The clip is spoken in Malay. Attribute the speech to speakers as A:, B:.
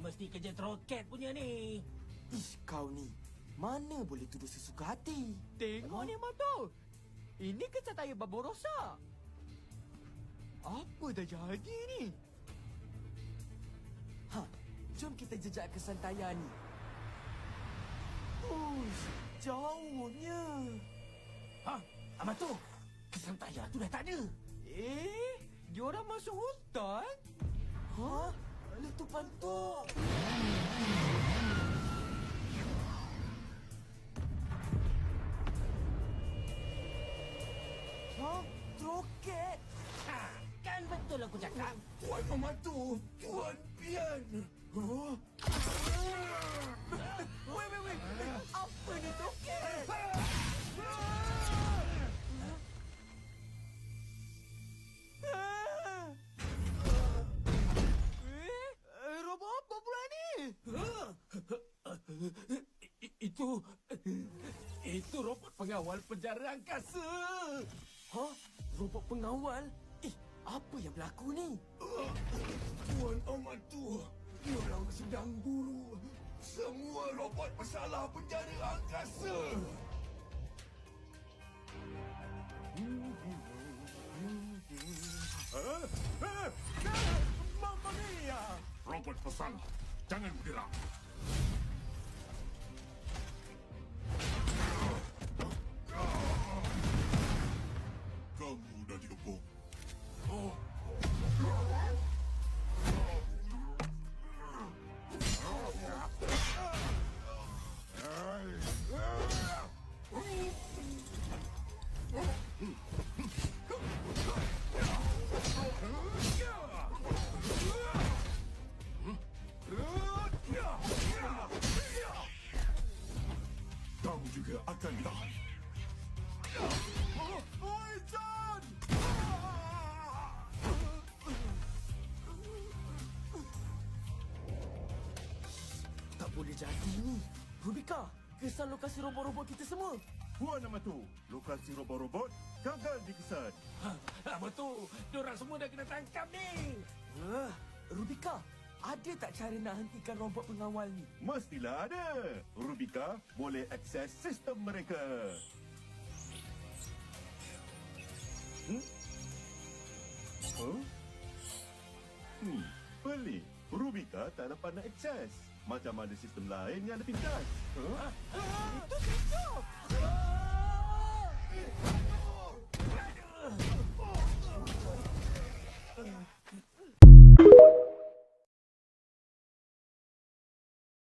A: mesti kerja roket punya ni.
B: Ish, kau ni. Mana boleh tuduh sesuka hati?
C: Tengok ni Mato. Ini kesan tayar babo rosak. Apa dah jadi ni?
B: Ha, jom kita jejak kesan tayar ni. Uish, jauhnya.
A: Ha, Amato, kesan tayar tu dah tak ada.
C: Diorang masuk hutan?
B: Ha? Letupan tu. Ha? Roket.
A: Ha, kan betul aku cakap.
D: Tuan Amato, Tuan Pian. Huh?
B: Wait. Apa ni roket?
C: Robot apa pula ni?
A: Itu robot pengawal penjara angkasa.
B: Ha? Robot pengawal? Apa yang berlaku ni?
D: Tuan Amato, diorang sedang buru semua robot bersalah penjara angkasa.
C: Mamma mia!
D: Robot bersalah, jangan bergerak. Kamu dah dikepung. Kamu juga akan ditahan.
C: Oi, John!
B: Tak boleh jadi ni. Rubika, kesan lokasi robot-robot kita semua.
E: Puan Amato, lokasi robot-robot gagal dikesan.
A: Amato, diorang semua dah kena tangkap ni.
B: Rubika, ada tak cara nak hentikan robot pengawal ni?
E: Mestilah ada. Rubika boleh akses sistem mereka. Pelik. Rubika tak dapat nak akses. Macam ada sistem lain yang lebih pintas.
C: Itu kicau!